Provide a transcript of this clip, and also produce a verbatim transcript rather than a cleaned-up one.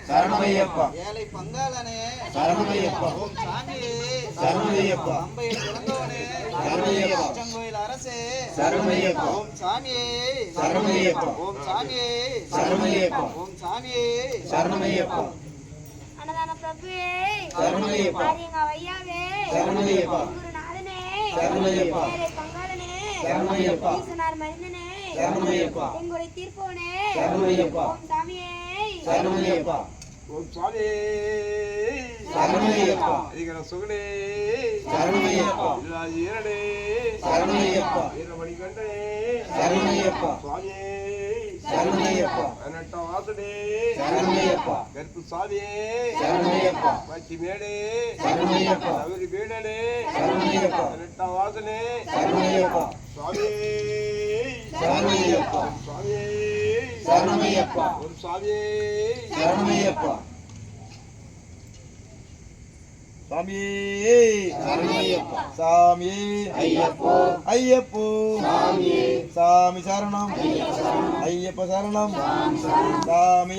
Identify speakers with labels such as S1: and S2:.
S1: சரணமையப்பா.
S2: ஏழை பங்காளனே
S1: சரணமையப்பா.
S2: ஓம் சாமி
S1: சரணமையப்பா.
S2: அம்பையில் பிறந்தவனே
S1: சரணமையப்பா.
S2: அச்சங்கோயில் அரசே
S1: சரணமையப்பா.
S2: ஓம் சாமியே
S1: சரணமையப்பா.
S2: ஓம் சாமியே
S1: சரணமையப்பா.
S2: ஓம் சாமியே
S1: சரணமையப்பா.
S3: அன்னதான பிரபுவே
S1: சரணமையப்பா.
S3: ஆரியங்க ஐயாவே
S1: சரணமையப்பா.
S3: குருநாதனே
S1: சரணமையப்பா.
S3: ஏழை பங்காளனே
S1: சரணமையப்பா.
S3: ஈசனார் மருந்தனே
S1: சரணமையப்பா.
S3: எங்களுடைய தீர்ப்போனே
S1: சரணமையப்பா.
S3: ஓம் சாமியே
S1: சரணமையப்பா.
S2: ஓம் சாமி
S1: சரணமையப்பா.
S2: அதிகர சுகனே
S1: சரணமையப்பா.
S2: ஈரடே
S1: சரணமையப்பா.
S2: வீரமணிகண்டனே
S1: சரணமையப்பா.
S2: சுவாமியே
S1: சரணமையப்பா.
S2: பதினெட்ட வாசனே
S1: சரணமையப்பா.
S2: கருப்பு சாமியே
S1: சரணமையப்பா.
S2: பச்சி மேடே
S1: சரணமையப்பா.
S2: அவரி வீடனே
S1: சரணமையப்பா.
S2: பதினெட்ட வாசனே
S1: சரணமையப்பா.
S2: சுவாமியே
S1: சரணமையப்பா.
S2: சுவாமியே
S1: சரணமையப்பா.
S2: ஒரு சுவாமியே
S1: சரணமையப்பா.
S2: சாமியே
S1: சரணமையப்பா.
S2: சாமியே
S1: ஐயப்போ.
S2: ஐயப்போ
S1: சாமியே.
S2: சாமி சரணம் ஐயப்ப சரணம் சாமி